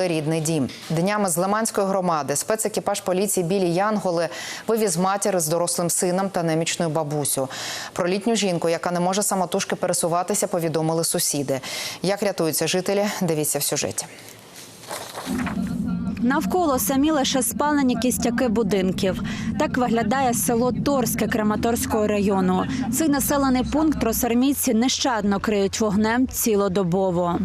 рідний дім. Днями з Лиманської громади спецекіпаж поліції «Білі Янголи» вивіз матір з дорослим сином та немічною бабусю. Про літню жінку, яка не може самотужки пересуватися, повідомили сусіди. Як рятуються жителі, дивіться в сюжеті. Навколо самі лише спалені кістяки будинків. Так виглядає село Торське Краматорського району. Цей населений пункт росармійці нещадно криють вогнем цілодобово.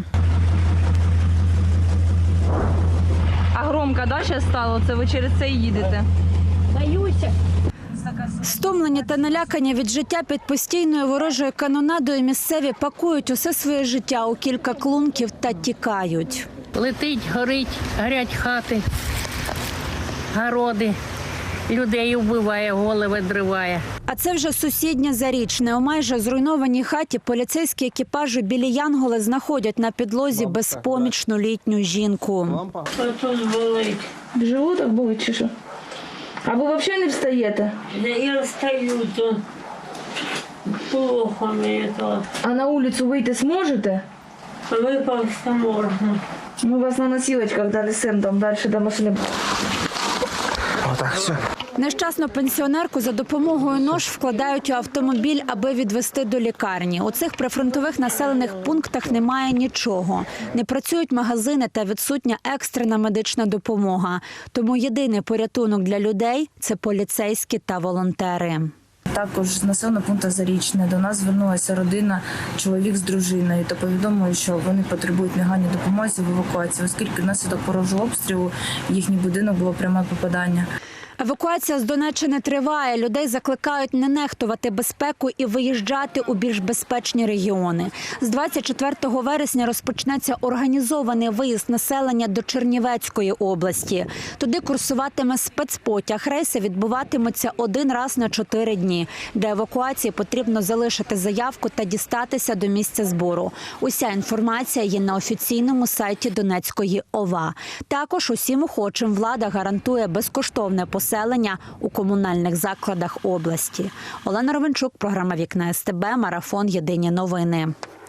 А громко, да, ще стало? Це ви через це і їдете? Боюся. Стомлені та налякані від життя під постійною ворожою канонадою місцеві пакують усе своє життя у кілька клунків та тікають. Летить, горить, горять хати, городи, людей вбиває, голови дриває. А це вже сусіднє Зарічне. У майже зруйнованій хаті поліцейські екіпажі «Білі Янголи» знаходять на підлозі безпомічну літню жінку. Тут болить. Животик болить чи що? А ви взагалі не встаєте? Я встаю, то плохо мені то. А на вулицю вийти зможете? Випався можна. Ми вас на носілочках донесемо там далі до машини. Отак, все. Нещасну пенсіонерку за допомогою нож вкладають у автомобіль, аби відвезти до лікарні. У цих прифронтових населених пунктах немає нічого. Не працюють магазини та відсутня екстрена медична допомога. Тому єдиний порятунок для людей – це поліцейські та волонтери. Також з населеного пункту Зарічне до нас звернулася родина, чоловік з дружиною, та повідомили, що вони потребують негайної допомоги в евакуації, оскільки внаслідок ворожого обстрілу їхній будинок було пряме попадання. Евакуація з Донеччини триває. Людей закликають не нехтувати безпеку і виїжджати у більш безпечні регіони. З 24 вересня розпочнеться організований виїзд населення до Чернівецької області. Туди курсуватиме спецпотяг. Рейси відбуватимуться один раз на 4 дні. Для евакуації потрібно залишити заявку та дістатися до місця збору. Уся інформація є на офіційному сайті Донецької ОВА. Також усім охочим влада гарантує безкоштовне поселення у комунальних закладах області. Олена Ровенчук, програма «Вікна СТБ», марафон «Єдині новини».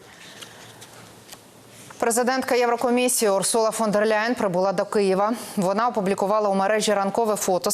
Президентка Єврокомісії Урсула фон дер Ляєн прибула до Києва. Вона опублікувала у мережі ранкове фото